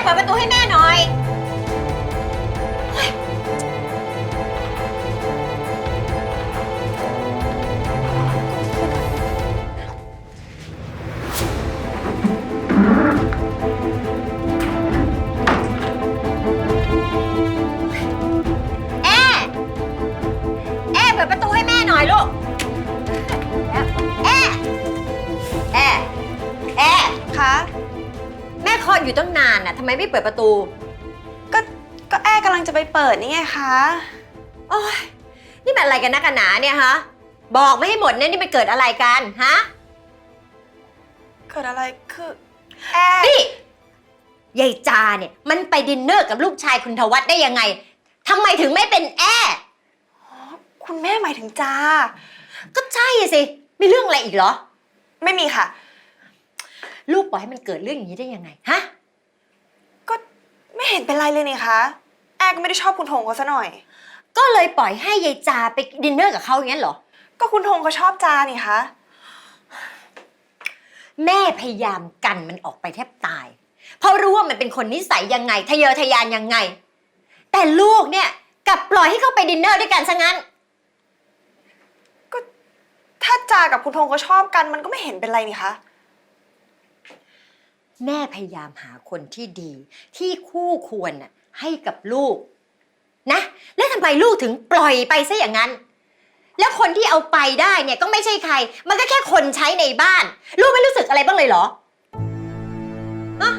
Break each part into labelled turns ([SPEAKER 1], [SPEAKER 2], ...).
[SPEAKER 1] เปิดประตูให้แม่หน่อยเปิดประตูให้แม่หน่อยลูก
[SPEAKER 2] คะ
[SPEAKER 1] แม่คอยอยู่ตั้งนานน่ะทำไมไม่เปิดประตู
[SPEAKER 2] ก็แอร์กำลังจะไปเปิดนี่ไงคะ
[SPEAKER 1] โอ้ยนี่มันอะไรกันนักกันหนาเนี่ยฮะบอกไม่ให้หมดเนี่ยนี่มันเกิดอะไรกันฮะ
[SPEAKER 2] เกิดอะไรคือแอร์
[SPEAKER 1] นี่ยายจาเนี่ยมันไปดินเนอร์กับลูกชายคุณทวัฒน์ได้ยังไงทำไมถึงไม่เป็นแอร์
[SPEAKER 2] คุณแม่หมายถึงจา
[SPEAKER 1] ก็ใช่สิมีเรื่องอะไรอีกเหรอ
[SPEAKER 2] ไม่มีค่ะ
[SPEAKER 1] ลูกปล่อยให้มันเกิดเรื่องอย่างนี้ได้ยังไงฮะ
[SPEAKER 2] ก็ไม่เห็นเป็นไรเลยนี่คะแอร์ก็ไม่ได้ชอบคุณธงเขาซะหน่อย
[SPEAKER 1] ก็เลยปล่อยให้ยายจาไปดินเนอร์กับเขาอย่างนั้นเหรอ
[SPEAKER 2] ก็คุณธงเขาชอบจานี่คะ
[SPEAKER 1] แม่พยายามกันมันออกไปแทบตายเพราะรู้ว่ามันเป็นคนนิสัยยังไงทะเยอทะยานยังไงแต่ลูกเนี่ยกลับปล่อยให้เขาไปดินเนอร์ด้วยกันซะงั้น
[SPEAKER 2] ก็ถ้าจากับคุณธงเขาชอบกันมันก็ไม่เห็นเป็นไรนี่คะ
[SPEAKER 1] แม่พยายามหาคนที่ดีที่คู่ควรให้กับลูกนะแล้วทำไมลูกถึงปล่อยไปซะอย่างนั้นแล้วคนที่เอาไปได้เนี่ยก็ไม่ใช่ใครมันก็แค่คนใช้ในบ้านลูกไม่รู้สึกอะไรบ้างเลยเหรออะ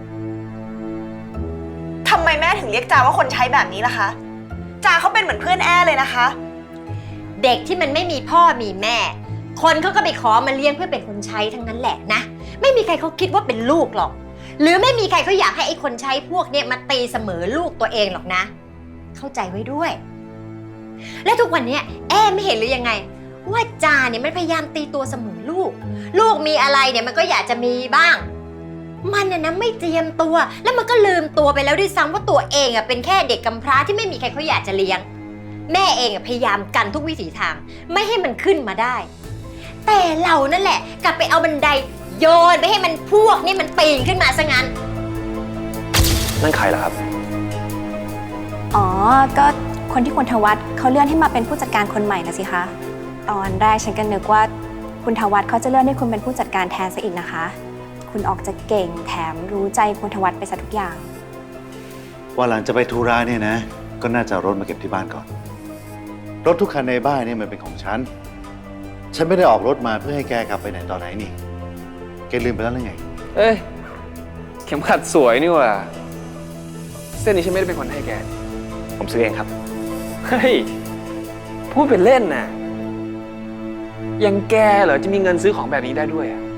[SPEAKER 2] ทำไมแม่ถึงเรียกจาว่าคนใช้แบบนี้ล่ะคะจาเขาเป็นเหมือนเพื่อนแอร์เลยนะคะ
[SPEAKER 1] เด็กที่มันไม่มีพ่อมีแม่คนเขาก็ไปขอมาเลี้ยงเพื่อเป็นคนใช้ทั้งนั้นแหละนะไม่มีใครเขาคิดว่าเป็นลูกหรอกหรือไม่มีใครเขาอยากให้ไอ้คนใช้พวกเนี้ยมาตีเสมอลูกตัวเองหรอกนะเข้าใจไว้ด้วยและทุกวันนี้แอไม่เห็นหรือยังไงว่าจาเนี่ยมันพยายามตีตัวเสมอลูกลูกมีอะไรเนี่ยมันก็อยากจะมีบ้างมันน่ะนะไม่เตรียมตัวแล้วมันก็ลืมตัวไปแล้วด้วยซ้ำว่าตัวเองเป็นแค่เด็กกำพร้าที่ไม่มีใครเขาอยากจะเลี้ยงแม่เองพยายามกันทุกวิถีทางไม่ให้มันขึ้นมาได้แต่เรานั่นแหละกลับไปเอาบันไดโยนไปให้มันพวกนี่มันปีนขึ้นมาซะงั้น
[SPEAKER 3] นั่นใครล่ะครับ
[SPEAKER 4] อ๋อก็คนที่คุณทวัฒน์เขาเลื่อนให้มาเป็นผู้จัดการคนใหม่นะสิคะตอนแรกฉันก็นึกว่าคุณทวัฒน์เขาจะเลื่อนให้คุณเป็นผู้จัดการแทนซะอีกนะคะคุณออกจะเก่งแถมรู้ใจคุณทวัฒน์ไปซะทุกอย่าง
[SPEAKER 5] ว่าหลังจะไปธุระเนี่ยนะก็น่าจะรถมาเก็บที่บ้านก่อนรถทุกคันในบ้านเนี่ยมันเป็นของฉันไม่ได้ออกรถมาเพื่อให้แกกลับไปไหนต่อไหนนี่แกลืมไปแล้วหรือไง
[SPEAKER 3] เอ้ยเข็มขัดสวยนี่ว่ะเส้นนี้ฉันไม่ได้เป็นคนให้แกผมซื้อเองครับเฮ้ยพูดเป็นเล่นน่ะยังแกเหรอจะมีเงินซื้อของแบบนี้ได้ด้วยอ่ะ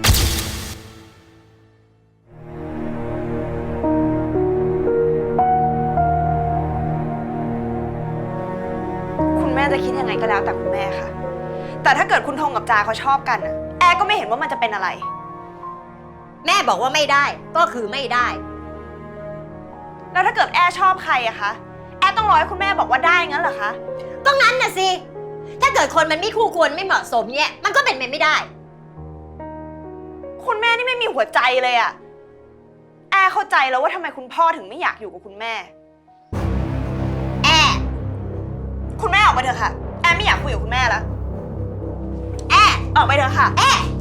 [SPEAKER 2] คุณแม่จะคิดยังไงก็แล้วแต่คุณแม่ค่ะแต่ถ้าเกิดคุณธงกับจาเขาชอบกันแอร์ก็ไม่เห็นว่ามันจะเป็นอะไร
[SPEAKER 1] แม่บอกว่าไม่ได้ก็คือไม่ได้
[SPEAKER 2] แล้วถ้าเกิดแอร์ชอบใครอะคะแอร์ต้องรอให้คุณแม่บอกว่าได้งั้นเหรอคะ
[SPEAKER 1] ก็งั้นน่ะสิถ้าเกิดคนมันไม่คู่ควรไม่เหมาะสมเนี่ยมันก็เป็นไปไม่ได้
[SPEAKER 2] คุณแม่นี่ไม่มีหัวใจเลยอะแอร์เข้าใจแล้วว่าทำไมคุณพ่อถึงไม่อยากอยู่กับคุณแม่คุณแม่ออกไปเถอะค่ะแอร์ไม่อยากคุยกับคุณแม่แล้ว
[SPEAKER 1] ออก
[SPEAKER 2] ไปเถอะค่ะ